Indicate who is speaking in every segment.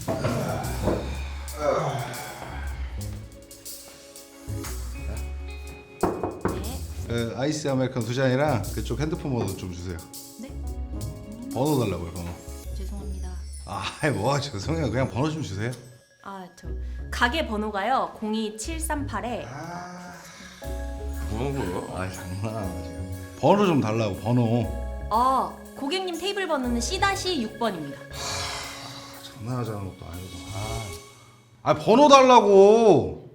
Speaker 1: 아이스 아메리카노 2잔이랑 그쪽 핸드폰 번호 좀 주세요.
Speaker 2: 네?
Speaker 1: 번호 달라고요, 번호.
Speaker 2: 죄송합니다.
Speaker 1: 뭐 죄송해요. 그냥 번호 좀 주세요.
Speaker 2: 저 가게 번호가요 02738에
Speaker 3: 뭐하는 거야?
Speaker 1: 장난하나 지금. 번호 좀 달라고, 번호.
Speaker 2: 고객님 테이블 번호는 C-6번입니다.
Speaker 1: 장난하자는 것도 아니고. 번호 달라고.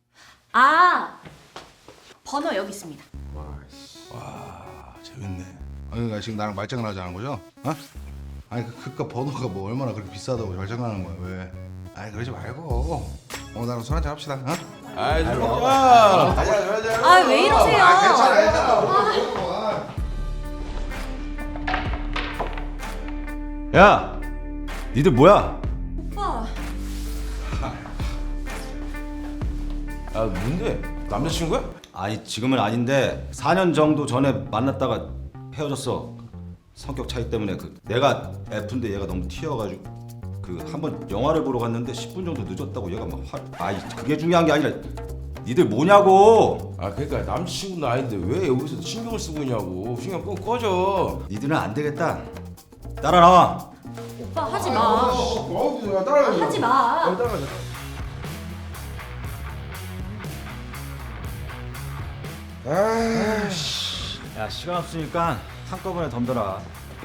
Speaker 2: 번호 여기 있습니다.
Speaker 1: 재밌네. 그러니까 지금 나랑 말장난 하자는 거죠? 아니 그깟 번호가 뭐 얼마나 그렇게 비싸다고 말장난하는 거야 왜? 그러지 말고 나랑 술 한잔 합시다.
Speaker 3: 아이 술 먹자.
Speaker 2: 왜 이러세요?
Speaker 4: 야, 니들 뭐야?
Speaker 2: 오빠.
Speaker 3: 뭔데? 남자친구야?
Speaker 4: 아니 지금은 아닌데 4년 정도 전에 만났다가 헤어졌어. 성격 차이 때문에 내가 F인데 얘가 너무 튀어가지고 한번 영화를 보러 갔는데 10분 정도 늦었다고 얘가 막 그게 중요한 게 아니라 니들 뭐냐고.
Speaker 3: 그러니까 남자친구는 아닌데 왜 여기서 신경을 쓰고 있냐고. 신경 끄고 꺼져.
Speaker 4: 니들은 안 되겠다. 따라 나와.
Speaker 2: 오빠 하지 마. 하지 마.
Speaker 3: 따라가자.
Speaker 4: 야 시간 없으니까 한꺼번에 덤벼라.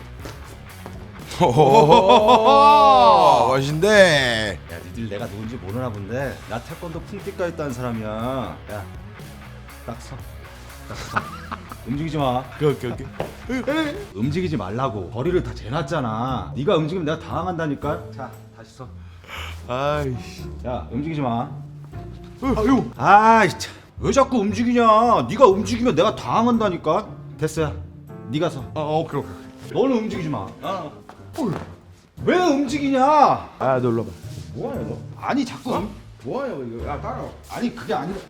Speaker 3: 멋진데.
Speaker 4: 야 니들 내가 누군지 모르나 본데 나 태권도 풍띠가 있다는 사람이야. 야 딱 서. 움직이지 마.
Speaker 3: 오케이.
Speaker 4: 움직이지 말라고. 거리를 다 재놨잖아. 네가 움직이면 내가 당황한다니까. 자 다시 서.
Speaker 3: 아이씨.
Speaker 4: 야 움직이지 마. 아유. 아이 참. 왜 자꾸 움직이냐. 네가 움직이면 내가 당황한다니까. 됐어요. 네가 서.
Speaker 3: 오케이.
Speaker 4: 너는 움직이지 마. 왜 움직이냐?
Speaker 3: 너 일로 와봐.
Speaker 4: 뭐하냐 너? 아니 자꾸
Speaker 3: 뭐하냐 이거. 따라와.
Speaker 4: 아니 그게 아니라.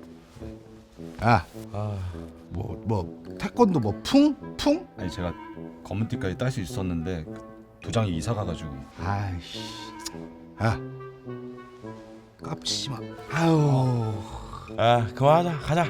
Speaker 1: 뭐 태권도 뭐 풍?
Speaker 4: 아니 제가 검은 띠까지 딸 수 있었는데 도장이 이사 가가지고.
Speaker 1: 아이씨. 깝치지 마. 아유.
Speaker 3: 그만하자. 가자.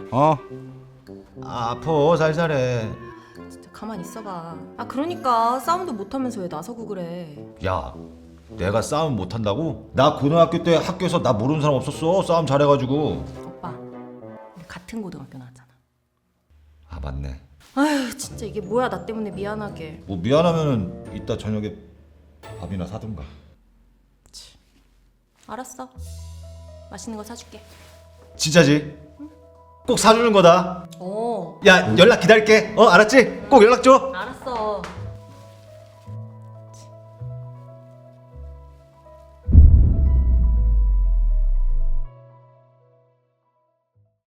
Speaker 4: 아파 살살해.
Speaker 2: 진짜 가만히 있어봐. 그러니까 싸움도 못하면서 왜 나서고 그래?
Speaker 4: 야 내가 싸움 못한다고? 나 고등학교 때 학교에서 나 모르는 사람 없었어. 싸움 잘해가지고.
Speaker 2: 오빠, 우리 같은 고등학교 나왔잖아.
Speaker 4: 아 맞네.
Speaker 2: 아휴 진짜 이게 뭐야. 나 때문에 미안하게.
Speaker 4: 뭐 미안하면은 이따 저녁에 밥이나 사든가.
Speaker 2: 알았어. 맛있는 거 사줄게.
Speaker 4: 진짜지? 꼭 사주는 거다.
Speaker 2: 어.
Speaker 4: 야 연락 기다릴게. 알았지? 꼭 연락 줘.